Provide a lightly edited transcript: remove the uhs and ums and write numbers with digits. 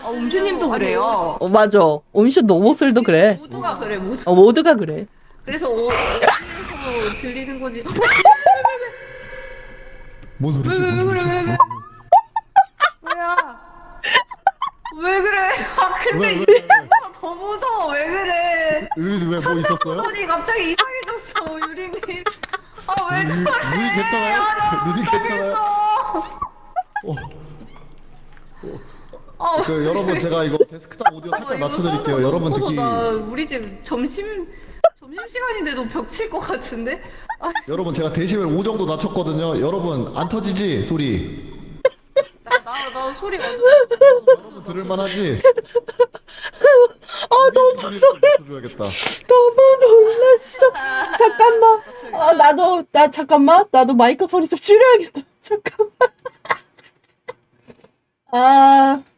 옴슈님도 그래요. 맞아. 온슈 너 목소리도 그래. 모두가 그래, 모두. 모두가 그래. 그래서 어디에서 들리는 거지. 뭔 소리지? 뭔 소리지? 왜? 뭐야? 왜 그래? 아, 근데 왜? 더 무서워. 왜 그래? 유리는 왜 뭐 있었어요? 손이 갑자기 이상해졌어, 유리님. 아, 왜 눈이 저래? 괜찮아요? 눈이 괜찮아요? 어, 아, 여러분 제가 이거 데스크탑 오디오 살짝 낮춰드릴게요. 여러분 듣기. 우리 집 점심 시간인데도 벽칠 것 같은데? 아, 여러분 제가 데시벨 5 정도 낮췄거든요. 여러분 안 터지지 소리. 나 소리 완전. 여러분 들을만하지? 너무 낮춰줘야겠다. 너무 놀랐어. 잠깐만. 잠깐만. 나도 마이크 소리 좀 줄여야겠다. 잠깐만. 아.